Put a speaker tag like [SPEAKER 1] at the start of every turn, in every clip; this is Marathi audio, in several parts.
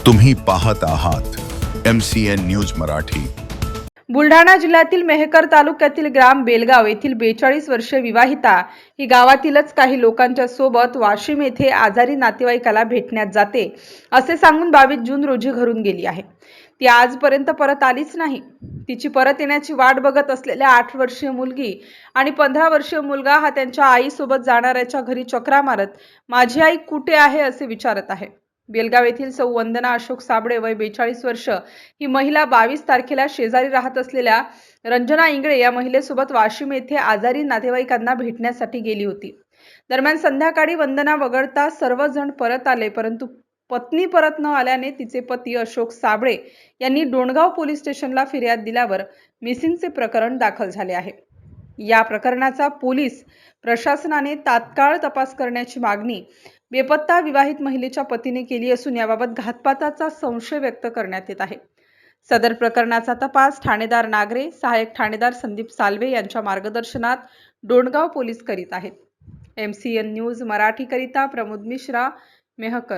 [SPEAKER 1] तुम्ही पाहत आहात MCN न्यूज मराठी।
[SPEAKER 2] बुलढाणा जिल्ह्यातील मेहकर तालुक्यातील ग्राम बेलगाव येथील 42 वर्षीय विवाहिता ही गावातीलच काही लोकांच्या सोबत वाशिम येथे आजारी नातेवाईकाला भेटण्यात जाते असे सांगून 22 जून रोजी घरून गेली आहे। ती आजपर्यंत परत आलीच नाही। तिची परत येण्याची वाट बघत असलेल्या 8 वर्षीय मुलगी आणि 15 वर्षीय मुलगा हा त्यांच्या आईसोबत जाणाऱ्याच्या घरी चक्रा मारत माझी आई कुठे आहे असे विचारत आहे। बेलगाव येथील सौ वंदना अशोक साबळे वय 42 वर्ष ही महिला 22 तारखेला शेजारी राहत असलेल्या रंजना इंगळे या महिलेसोबत वाशिम येथे आजारी नातेवाईकांना भेटण्यासाठी गेली होती। दरम्यान संध्याकाळी वंदना वगळता सर्वजण परत आले, परंतु पत्नी परत न आल्याने तिचे पती अशोक साबळे यांनी डोणगाव पोलीस स्टेशनला फिर्याद दिल्यावर मिसिंगचे प्रकरण दाखल झाले आहे। या प्रकरणाचा पोलीस प्रशासनाने तात्काळ तपास करण्याची मागणी बेपत्ता विवाहित महिलेच्या पतीने केली असून याबाबत घातपाताचा संशय व्यक्त करण्यात येत आहे। सदर प्रकरणाचा तपास ठाणेदार नागरे, सहाय्यक ठाणेदार संदीप साल्वे यांच्या मार्गदर्शनात डोणगाव पोलीस करीत आहेत। MCN न्यूज मराठी करिता प्रमोद मिश्रा, मेहकर।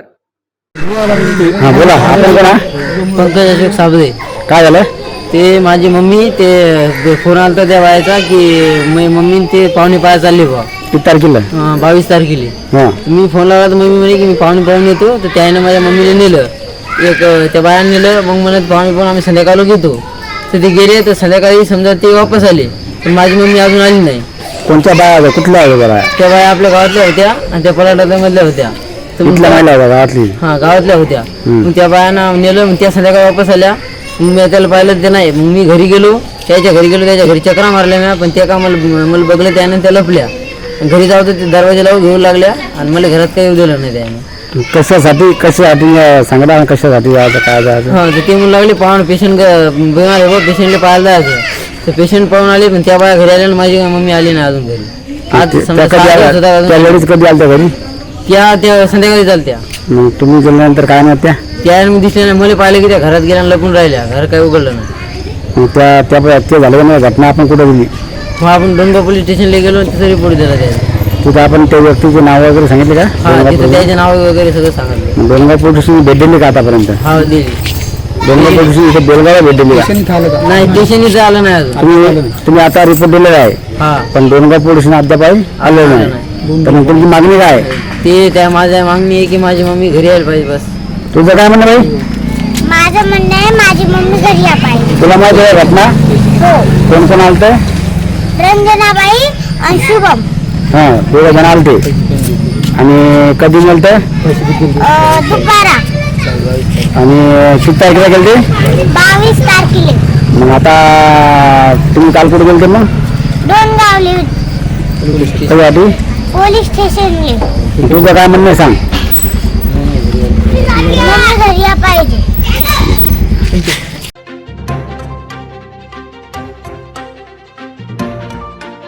[SPEAKER 3] हाँ बोला, आपण कोण?
[SPEAKER 4] पंकज अशोक साबळे।
[SPEAKER 3] काय झालं?
[SPEAKER 4] ते माझी मम्मी ते फोन आलता त्या बायाचा की मम्मी ते पाहुणे पाया चालले बा
[SPEAKER 3] किती तारखेला?
[SPEAKER 4] 22 तारखेला।
[SPEAKER 3] हां
[SPEAKER 4] मी फोन लावला तर मम्मी म्हणे की मी पाहुणे पाहून येतो, तर त्याने माझ्या मम्मीला नेलं, एक त्या बायाने नेलं। मग म्हणत पाहुणे पाहून आम्ही संध्याकाळला घेतो, तर ते गेले। तर संध्याकाळी समजा ते वापस आले, पण माझी मम्मी अजून आली नाही।
[SPEAKER 3] कोणत्या बाया? कुठल्या आहे बघा?
[SPEAKER 4] त्या बाया आपल्या गावातल्या होत्या आणि त्या पलाटामधल्या होत्या। तर
[SPEAKER 3] कुठल्या महिला आहे गावातली?
[SPEAKER 4] हां गावातल्या होत्या। मग त्या बायांना नेलं, मग त्या संध्याकाळी वापस आल्या। मग मी त्याला पाहिलं ते नाही, मग मी घरी गेलो, त्याच्या घरी चक्रा मारल्या मी, पण त्या का मला बघलं त्याने, त्या लपल्या। घरी जाऊ तर ते दरवाजा लावून घेऊ लागल्या आणि मला घरात काही येऊ दिलं नाही त्याने।
[SPEAKER 3] कशासाठी सांगता? कशासाठी जायचं, काय जायचं?
[SPEAKER 4] हां तर ते म्हणू लागले पाहून पेशंट बिमार आहे बा, पेशंटला पाहायला जायचं। तर पेशंट पाहून आले, पण त्या बाया घरी आल्या आणि माझी मम्मी आली नाही अजून घरी। आज समजा
[SPEAKER 3] त्या लेडीज कधी आल्या घरी?
[SPEAKER 4] त्या संध्याकाळी चालत्या।
[SPEAKER 3] मग तुम्ही गेल्यानंतर काय नाही
[SPEAKER 4] त्या मी दिसल्या नाही, मला पाहिलं की त्या घरात गेल्या लपून राहिल्या, घर काही उघडलं नाही।
[SPEAKER 3] मग ते झालं नाही घटना? आपण कुठे दिली?
[SPEAKER 4] मग आपण डोणगाव पोलीस स्टेशनला गेलो, तिथं रिपोर्ट दिला त्याचा।
[SPEAKER 3] तिथं आपण त्या व्यक्तीचे नाव वगैरे सांगितले का?
[SPEAKER 4] हां तिथं त्याचे नाव वगैरे सगळं सांगितलं।
[SPEAKER 3] डोणगाव पोलीस स्टेशन भेट दिली का आतापर्यंत?
[SPEAKER 4] हा दिली।
[SPEAKER 3] डोणगाव पोलीस स्टेशन इथे बेलगावला भेट दिली का?
[SPEAKER 4] नाही स्टेशन इथं आलं नाही अजून।
[SPEAKER 3] तुम्ही आता रिपोर्ट दिलेला आहे,
[SPEAKER 4] हां
[SPEAKER 3] पण डोणगाव पोलीस स्टेशन अद्याप आलं नाही। तर मग तुमची मागणी काय?
[SPEAKER 4] ते त्या माझ्या मागणी आहे की माझी मम्मी घरी यायला पाहिजे बस।
[SPEAKER 3] तुझं काय म्हणणं बाई?
[SPEAKER 5] माझं म्हणणं आहे माझी मम्मी घरी या पाहिजे।
[SPEAKER 3] तुला माहिती आहे घटना?
[SPEAKER 5] हो,
[SPEAKER 3] कोण कोण आलत?
[SPEAKER 5] रंजनाबाई आणि शुभम।
[SPEAKER 3] हां दोघं जण आलते। आणि कधी मिळत?
[SPEAKER 5] दुपारा
[SPEAKER 3] आणि किती तारखेला गेलते?
[SPEAKER 5] 22 तारखेला।
[SPEAKER 3] मग आता तुम्ही काल कुठे गेलते? मग
[SPEAKER 5] डोणगावले
[SPEAKER 3] कधी?
[SPEAKER 5] पोलीस स्टेशनले।
[SPEAKER 3] तुझं काय म्हणणं आहे सांग?
[SPEAKER 5] मम्मी घरी